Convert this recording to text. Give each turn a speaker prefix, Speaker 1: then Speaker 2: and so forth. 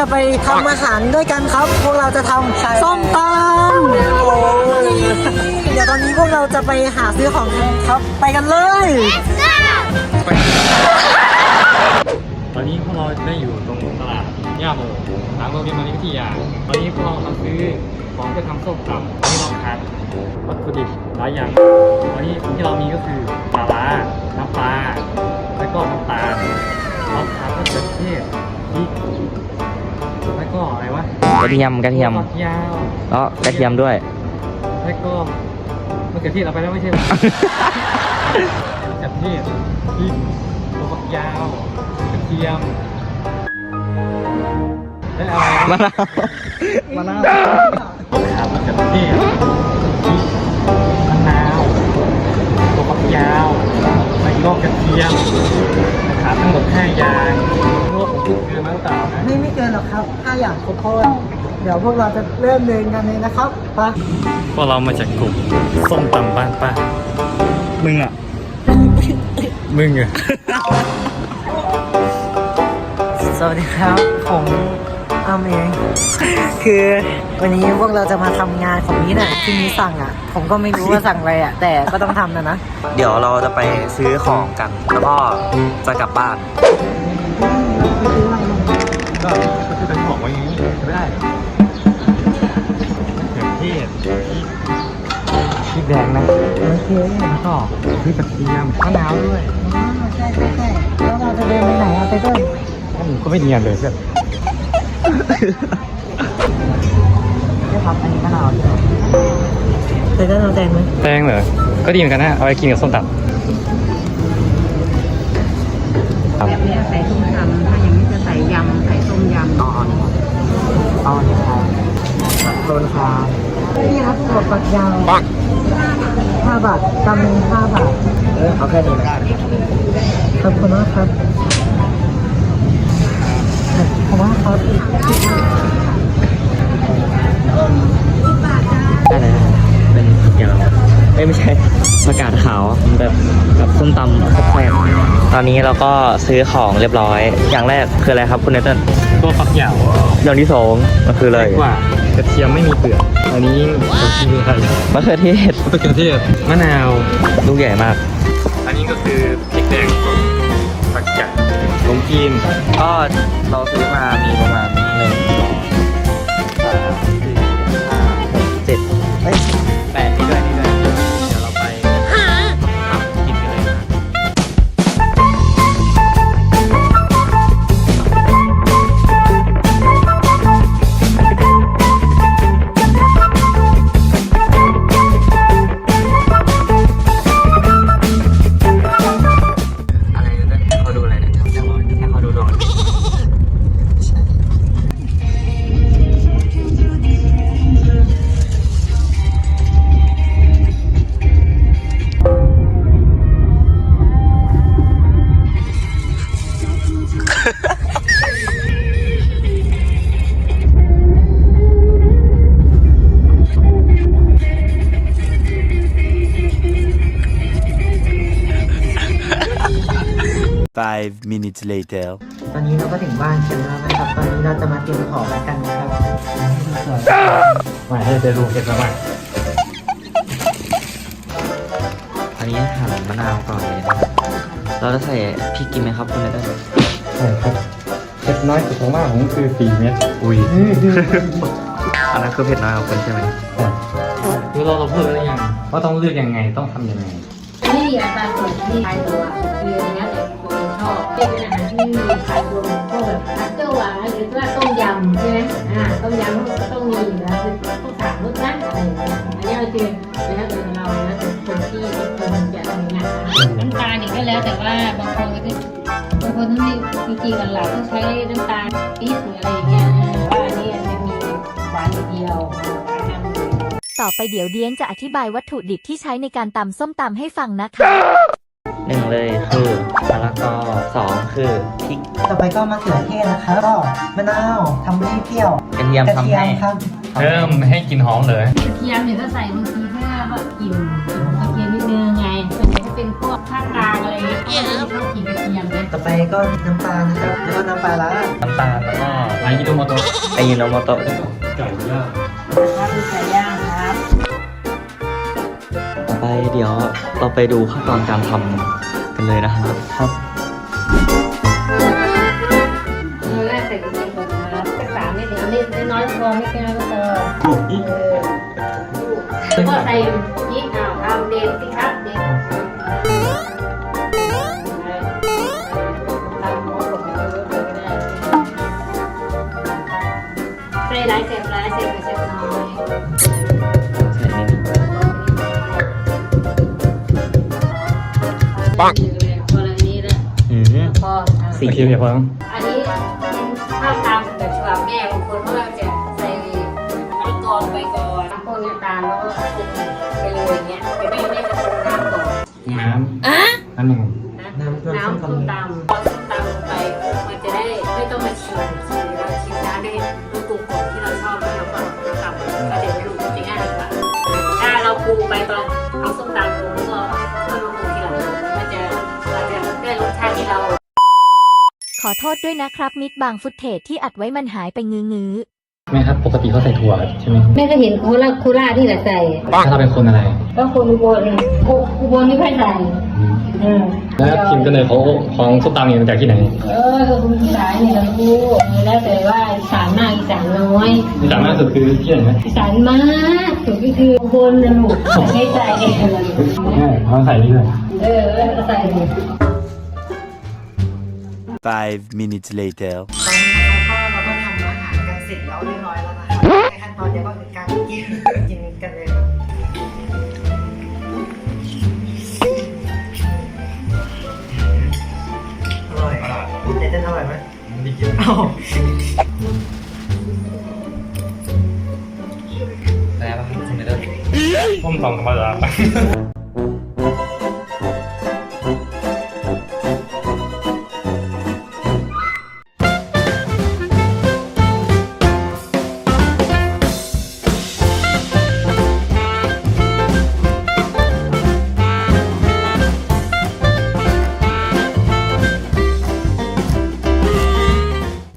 Speaker 1: จะไปทำอาหารด้วยกันครับพวกเราจะทำส้มตำเดี๋ยวตอนนี้พวกเราจะไปหาซื้อของกันครับไปกันเลย
Speaker 2: ตอนนี้พวกเราได้อยู่ตรงตลาดย่าโมทางโรงเรียนมานิวิทยาตอนนี้พวกเรามาซื้อของเพื่อทำส้มตำตอนนี้เราขาดวัตถุดิบหลายอย่างตอนนี้สิ่งที่เรามีก็คือปลาร้าน้ำปลาแล้วก็น้ำตาลเราขาดมะเขือเทศพริกแล้วก็อะไรวะ
Speaker 3: กระเทียม
Speaker 2: ฝักยาว
Speaker 3: กระเทียมด้วย
Speaker 2: แล้วก็มะเขือเทศเอาไปแล้วไม่ใช่ หรอ มะเขือเทศพริกตัวฝักยาวกระเทียมและอะไร
Speaker 3: มะนาว
Speaker 1: มะนาว
Speaker 2: ขาดมะเขือเทศพริกมะนาวตัวฝักยาวแล้วก็กระเทียมขาดทั้งหมด5อย่างพวกผมพูดเกินมาหรือเปล่านะ
Speaker 1: ไม่เกินหรอกครับ5อย่างครบถ้วนเดี๋ยวพวกเราจะเริ่มเดินกันเลยนะครับไป
Speaker 2: พวกเรามาจากกลุ่มส้มตำบ้านป้ามึงอ่ะ มึงอ่ะ
Speaker 1: สวัสดีครับผมอ้ำเอง คือวันนี้พวกเราจะมาทำงานของนี้แหละที่นี้สั่งอ่ะ ผมก็ไม่รู้ว่าสั่งอะไรอ่ะ แต่ก็ต้องทำนะ
Speaker 3: เดี๋ยวเราจะไปซื้อของกัน แล้วก็จะกลับบ้าน
Speaker 2: ก็คือเป็นของไว้อย่างนี้ไม่ได้เขือเทศพริกแดงนะ
Speaker 1: โอเค
Speaker 2: แล้วก็พริกกระเทียมมะนาวด้วย
Speaker 1: ใช่แล้วเราจะเดินไปไหนอ่ะไปด้วย
Speaker 2: ก็ไม่เนียนเลยเพื่อน
Speaker 1: ได้ครับอันนี้มะนาวใช่ไหมเคยได้น้ำแดงไหม
Speaker 2: แตงเหรอ ก็ดีเหมือนกันนะ เอาไปกินกับส้มตำ
Speaker 4: แบบนี้ใส่ส้มตำถ้าอย่างนี้จะใส่ยำใส่ต้มยำ
Speaker 1: เอาเนี่ยครับโดนคานี่ครับถั่วฝักยาว5 บาทกำหนึ่ง5 บาทเอาแค่นี้นะขอบคุณมากครับขอบคุณมากครับ
Speaker 3: ได้เลยเป็นเกี่ยวไม่ใช่ประกาศขาวแบบกับส้มตำแซ่บๆตอนนี้เราก็ซื้อของเรียบร้อย อย่างแรกคืออะไรครับคุณเนเธอร์
Speaker 2: ตัวฝักยาว
Speaker 3: อย่างที่สองมันคืออะไร
Speaker 2: กว่ากระเทียมไม่มีเปลือก อันนี้คืออะไร
Speaker 3: มะเขือเทศ
Speaker 2: มะเขือเทศมะนาว
Speaker 3: ลูกใหญ่มาก
Speaker 2: อันนี้ก็คือพริกแดงสดผักกาดลงจีน
Speaker 3: ก็เราซื้อมามีประมาณ1 2 3 4 5 6 7เอ้ย8นี่ด้วยเดี๋ยวเราไปกินกันเลยนะ อะไรเนี่ยเขาดูอะไรเนี่ยแค่เขาดูดอก
Speaker 5: 5 minutes later.
Speaker 1: ตอนนี้เราก็ถึงบ้านกันแล้วนะครับ ตอนนี้เราจะมาเตรียมของกันนะครับ
Speaker 2: มาให้ได้รู้เห็นแล้วไหม
Speaker 3: อันนี้หั่นมะนาวก่อนเลยนะครับเราจะใส่พริกกินไหมครับคุณเนเธอร์
Speaker 2: ใช่ครับเผ็ดน้อยสุดของมากผมคือ4 เม็ด
Speaker 3: อุ้ย อันนั้นคือเผ็ดน้อยของคุณใช่ไหม
Speaker 2: คือเราพูดแล้วยังว่าต้องเลือกยังไงต้องทำยังไง
Speaker 4: นี่อัตราส่วนที่ขายตัวคืออันนี้แต่ตัวเองชอบเป็นอาหารที่มีขายตัวพวกแบบคัตเตอร์หวานหรือว่าต้มยำใช่ไหมต้มยำก็ต้องมีอยู่แล้วคือต้องสั่งรสนะอะไรอย่างเงี้ยอันนี้เราคือแล้วแต่เราแล้วแต่คนที่คนจะทำงานน้ำตาลอีกก็แล้วแต่ว่าบางคนก็จะบางคนที่จริงๆหลักๆต้องใช้น้ำตาลปี๊บหรืออะไรอย่างเงี้ยว่าอันนี้มันมีหวานอย่างเดียว
Speaker 6: ต่อไปเดี๋ยวเดียนจะอธิบายวัตถุดิบที่ใช้ในการตำส้มตำให้ฟังนะคะ
Speaker 3: 1เลยคือมะละกอ2คือพริก
Speaker 1: ต่อไปก็มะเขือเทศนะครับก็มะนาวทำให้เปรี้ยว
Speaker 3: กระเทียม
Speaker 1: กระ
Speaker 3: ทำ
Speaker 1: เทีย
Speaker 3: ให้
Speaker 1: มครับ
Speaker 2: เพิ่มให้กลิ่นหอมเลย
Speaker 4: กระเทียมเนี่ยก็ใส่บางทีเพื่อว่ากลิ่นกระเทียมนิดนึงไงส่วนใหญ่ถ้าเป็นพวกภาคกลางอะไรเงี้ยเขาจะชอบกินกระเทียมนะ
Speaker 1: ต่อไปก็น้ำปลานะครับแล้วก็น้ำปลาร้า
Speaker 3: น้ำตาลแล้วก็
Speaker 2: อายิโนโมโตะ
Speaker 3: ไอยิโนโมโตะ
Speaker 2: ไก่ย่าง
Speaker 4: ครับคือไก่ย่างครับ
Speaker 3: ต่อไปเดี๋ยวเราไปดูขั้นตอนการทำกันเลยนะครับครับ
Speaker 4: เราแรกใส่กระเทียมก่อนนะครับสัก3 เม็ดเอาเม็ดน้อยๆพอไม่เป็นไรก็พอแล้วก็ใส่พริกทำเด็ดสิครับเด็ดตามหัวผมก็ได้ใส่หลายเศษหลายเศษเศษน้อย
Speaker 3: ใส่นี่
Speaker 4: ปังพอแล้วนี้แล้ว
Speaker 3: อืม
Speaker 4: พอ
Speaker 3: สี
Speaker 2: โอเคเดี๋ยวฟัง
Speaker 4: อันนี้ถ้าตามแบบฉบับแม่บางคนเขาจะใส่มะละกอไปก่อนพวกนี้ตามแล้วก็ปรุงไปเลยอย่างเงี้ยแต่แม่จะปรุงน้ำก่อน
Speaker 2: น้ำอันหนึ่ง
Speaker 4: น้ำส้มตำพอส้มตำลงไปมันจะได้ไม่ต้องมาชิมเราชิมน้ำได้รู้กลุ่มของที่เราชอบแล้วเราก็ตำก็เดี๋ยวไม่รู้จะง่ายกว่าถ้าเราปรุงไปตอนเอาส้มตำปรุงแล้วก็มาปรุงทีหลังมันจะเราจะได้รสชาติที่เรา
Speaker 6: ขอโทษด้วยนะครับมิดบางฟุตเทจที่อัดไว้มันหายไปงื้อ
Speaker 2: แม่ครับปกติเขาใส่ถั่วใช่ไหม
Speaker 4: แม่ก็เห็นโคราชที่แหละใส่
Speaker 2: ถ้าเราเป็นคนอะไร
Speaker 4: ก็คนอุบลไม่ค่อยใส่
Speaker 2: แล้วทีมกันเลยของส้มตำเนี่ยมาจากที่ไหน
Speaker 4: ก็คุณอีสานนี่เรารู้แล้วแต่ว่าอีสานมากอีสานน้อย
Speaker 2: ที่ต่างมากสุดคือที่ไหนนะ
Speaker 4: อีสานมากสุดก็คืออุบลนะลูกไม่ใส่เองเลย
Speaker 2: ใช่เขาใส่นี่เลย
Speaker 4: ก็ใส่เลย
Speaker 5: 5 minutes later.
Speaker 1: ตอนนี้นะคะก็เราก็ทำอาหารกันเสร็จแล้วเรียบร้อยแล้วนะคะในขั้นตอนเดียวก็คือการกินกันเลยอร่อยเต้นอร่อยไหม
Speaker 2: ไม่กิน
Speaker 1: อ้าว
Speaker 3: แล้วคุณเนเธอร์
Speaker 2: ส้มตำธรรมดา